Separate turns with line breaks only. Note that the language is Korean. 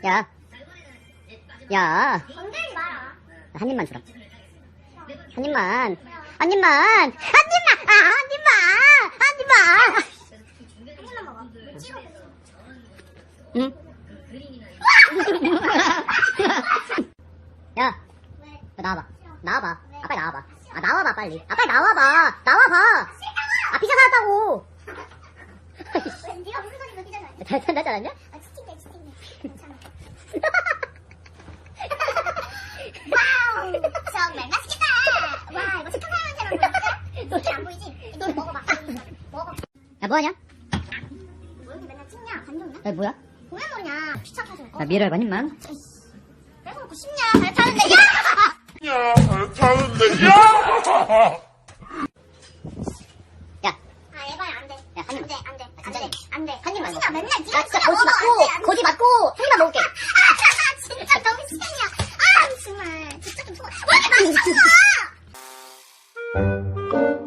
야. 야.
건들지 마라.
한 입만 주라. 한 입만. 한 입만. 한 입만. 아, 한 입만. 한 입만.
한 입만 먹어. 뭐 찍어.
응? 야.
왜?
나와봐. 나와봐.
왜?
아빠 나와봐. 아, 나와봐, 빨리. 아, 빨리 나와봐. 나와봐. 아, 피자 사왔다고.
왜 네가 무슨 소리 그러잖아.
잘 나지 않았냐?
아, 치팅돼, 치팅돼. 괜찮아. 와우, 정말 맛있겠다. 와, 이거 착한 사람한테만 보이지? 너안 보이지? 너 먹어봐. 먹어.
야, 뭐하냐?
뭐 이렇게 맨날 찍냐? 감동이야?
야, 뭐야?
보면 모르냐? 귀찮아서.
나 미래를 한 입만.
빼놓고 싶냐? 잘 타는데. 야!
야, 타는데, 야!
야,
아, 에바야, 안 돼.
야, 한 입.
안 돼.
안 돼.
안 돼.
한 입만
진짜
먹어.
맨날
나
네가
진짜
진짜
거지 맞고, 거지 맞고, 한 입만 먹을게.
진짜 너무 시간이야. 아, 정말. 진짜 좀 왜 이렇게 맛있어?